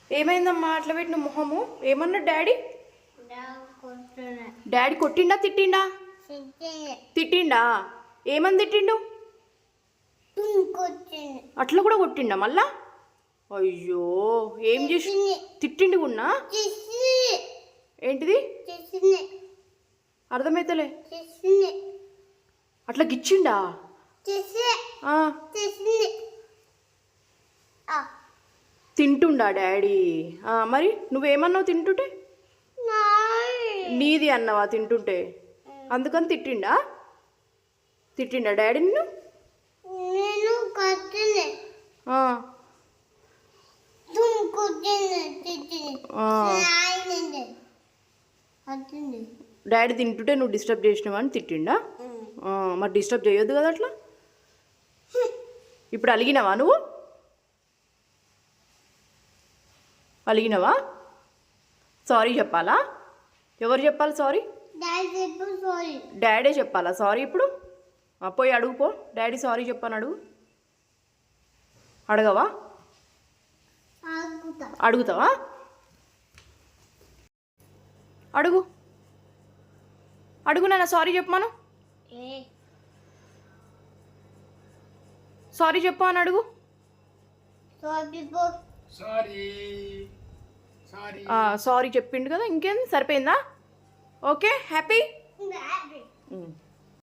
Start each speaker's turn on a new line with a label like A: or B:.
A: ఏమైందమ్మా అట్లా పెట్టిన మొహము? ఏమన్నా డాడీ? డాడీ కొట్టిండా తిట్టిండా? తిట్టిండా? ఏమని తిట్టిండు? అట్లా కూడా కొట్టిండా మళ్ళా? అయ్యో ఏం చేసి తిట్టిండు గున్నా? ఏంటిది అర్థమైతలే. అట్లా గిచ్చిండా? తింటుండా డాడీ? మరి నువ్వేమన్నావు తింటుంటే? నీది అన్నావా తింటుంటే? అందుకని తిట్టిండా? తిట్టిండా డాడీ నిన్ను? డాడీ తింటుంటే నువ్వు డిస్టర్బ్ చేసినావా అని తిట్టిండా? మరి డిస్టర్బ్ చేయొద్దు కదా అట్లా. ఇప్పుడు అలిగినావా నువ్వు? అలిగినావా? సారీ చెప్పాలా? ఎవరు చెప్పాలి సారీ? డాడీ చెప్పాలా సారీ ఇప్పుడు? పోయి అడుగుపో, డాడీ సారీ చెప్పాను అడుగు. అడగవా? అడుగుతావా? అడుగు అడుగు నాన్న, సారీ చెప్పమాను. సారీ చెప్పు అని అడుగు. సారీ చెప్పిండు కదా, ఇంకేంది, సరిపోయిందా? Okay happy.